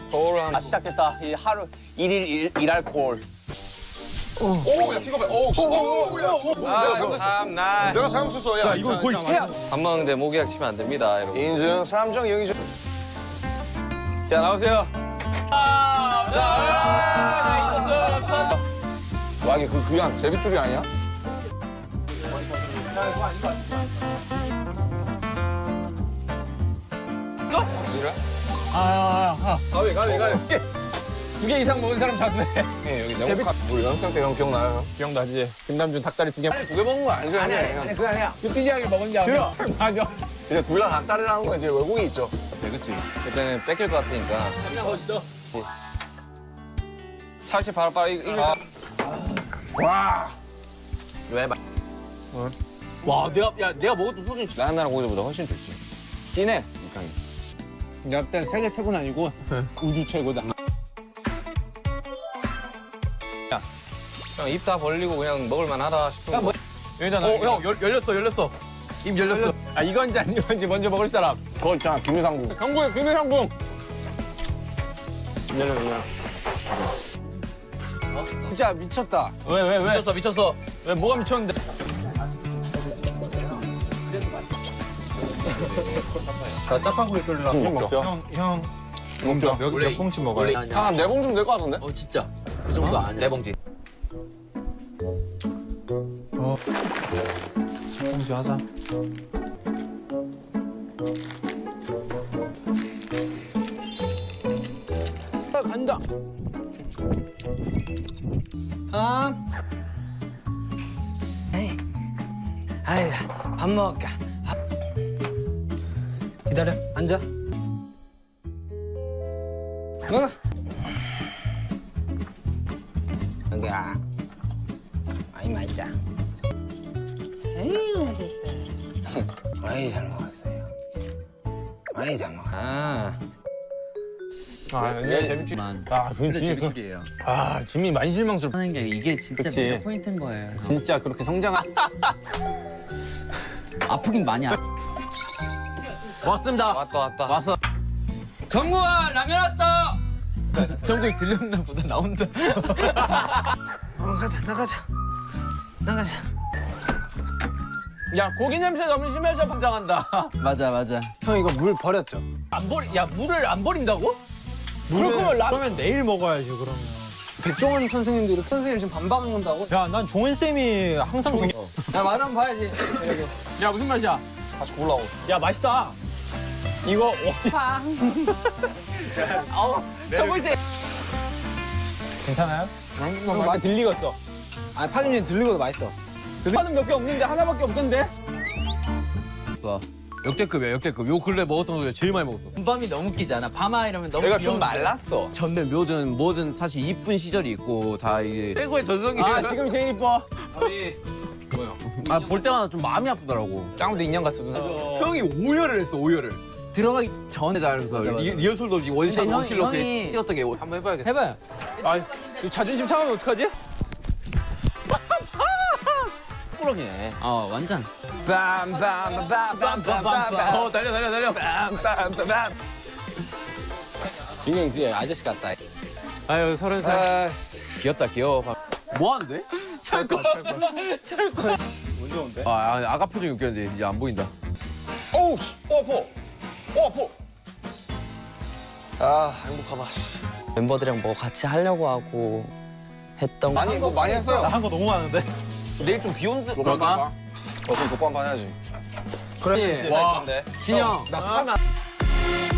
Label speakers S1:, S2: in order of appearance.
S1: 아, 시작됐다. 이 하루 일일 일할 콜.
S2: 오, 야, 팅커벨. 오, 야, 내가 잘못 썼어. 야,
S3: 이거 거의 해야.
S4: 밥 먹는데 모기약 치면 안 됩니다, 여러분.
S2: 인증, 3정, 영의정.
S4: 자, 나오세요.
S2: 와, 이게 그냥 제비줄이 아니야?
S4: 가위. 2개 이상 먹은 사람 자수해.
S2: 여기 네모카 우리 연습생 때 형 기억나요?
S4: 기억나지? 김남준 닭다리 2개.
S2: 두 개 먹는 거 아니죠?
S1: 아니, 그거 아니야.
S4: 삐지하게 먹은 게 아니라. 맞아.
S2: 이제 둘 다 닭다리라는 건 이제 외국이 있죠.
S4: 네, 그치. 그때는 뺏길 것 같으니까. 살치 바로 이거.
S2: 와.
S4: 왜?
S1: 와, 내가 먹었던 소주.
S4: 나나랑 고기보다 훨씬 좋지. 진해. 육향이.
S3: 내가 그때 세계 최고는 아니고 우주 최고다.
S4: 형 입 다 벌리고 그냥 먹을만하다 싶은 거.
S3: 여기잖아.
S4: 형 열렸어. 입 열렸어.
S3: 아 이건지 안 이건지 먼저 먹을 사람.
S2: 그거 있잖아, 김유상국.
S3: 형구야, 김혜상궁.
S1: 진짜 미쳤다.
S3: 왜?
S4: 미쳤어.
S3: 왜 뭐가 미쳤는데?
S5: 자, 짜파구이 끓이려고.
S2: 좀 먹죠.
S5: 형. 몇 봉지 먹어요?
S2: 한 4봉 좀 될 것 같은데?
S1: 진짜. 그 정도 아니야.
S4: 네 봉지.
S5: 봉지 하자.
S1: 간다. 아이, 밥 먹을까? 기다려, 앉아. 먹어. 여기야. 아이, 맛있다. 아이, 맛있어. 아이, 잘 먹었어요. 아이, 잘 먹었어.
S3: 근데 재밌지. 아, 그건 진짜
S6: 재미줄이에요.
S3: 아, 짐이 많이 실망스럽다.
S6: 하는 게 이게 진짜
S3: 그치.
S6: 매력 포인트인 거예요.
S3: 진짜 그렇게 성장한.
S6: 아프긴 많이
S4: 왔습니다. 왔다. 왔어. 정구야 라면 왔다.
S3: 정국이 들렸나 보다 나온다.
S1: 가자, 나가자.
S3: 야, 고기 냄새 너무 심해서 성장한다.
S6: 맞아.
S1: 형, 이거 물 버렸죠?
S3: 물을 안 버린다고? 그럴 거면
S5: 그러면 내일 먹어야지, 그러면.
S1: 백종원 선생님도 이렇게 선생님 지금 반박한다고?
S5: 야, 난 종원쌤이 항상
S1: 야, 맛한번 봐야지.
S3: 야, 무슨 맛이야?
S2: 같이 골라오.
S3: 야, 맛있다. 이거 어디?
S1: 저거 이제.
S3: 괜찮아요? 많이 들리겠어.
S1: 아, 파김치 들리고도 맛있어.
S3: 파는 몇 개 없는데 하나밖에 없던데?
S4: 역대급이야 역대급. 요 근래 먹었던 거 중에 제일 많이 먹었어.
S6: 밤이 너무 웃기잖아. 밤아 이러면 너무
S4: 내가 좀
S6: 귀여운데.
S4: 말랐어. 전에 묘든 뭐든 사실 이쁜 시절이 있고 다 이게 최고의 전성기.
S3: 아, 지금 제일 이뻐.
S4: 아, 볼 때마다 좀 마음이 아프더라고.
S3: 짱구도 인형 같어.
S4: 형이 오열을 했어, 오열을.
S6: 들어가기 전에
S4: 잘하면서
S6: 맞아.
S4: 리허설도 없이 원샷
S6: 근데
S4: 원킬로
S6: 형이-
S4: 찍었던 게 한번 해봐야겠다.
S6: 해봐요.
S3: 아, 이거 자존심 상하면 어떡하지?
S4: 꾸러기네.
S6: 완전.
S4: 빰빰빰빰빰빰빰. 달려.
S2: 빰빰빰빰.
S3: 인형이지, 아저씨 같다.
S4: 아유, 30살. 귀엽다, 귀여워. 뭐 하는데?
S3: 철권.
S4: 아가 표정이 웃겼는데 이제 안 보인다.
S2: 어우, 아파. 아, 행복하다.
S6: 멤버들이랑 뭐 같이 하려고 하고 했던 거.
S2: 많이 했어요.
S5: 나 한 거 너무 많은데.
S4: 내일 좀 비 오는데.
S2: 그럴까? 그럼 독보 한번 해야지.
S5: 그래.
S4: 와.
S6: 진영.
S1: 나 스파면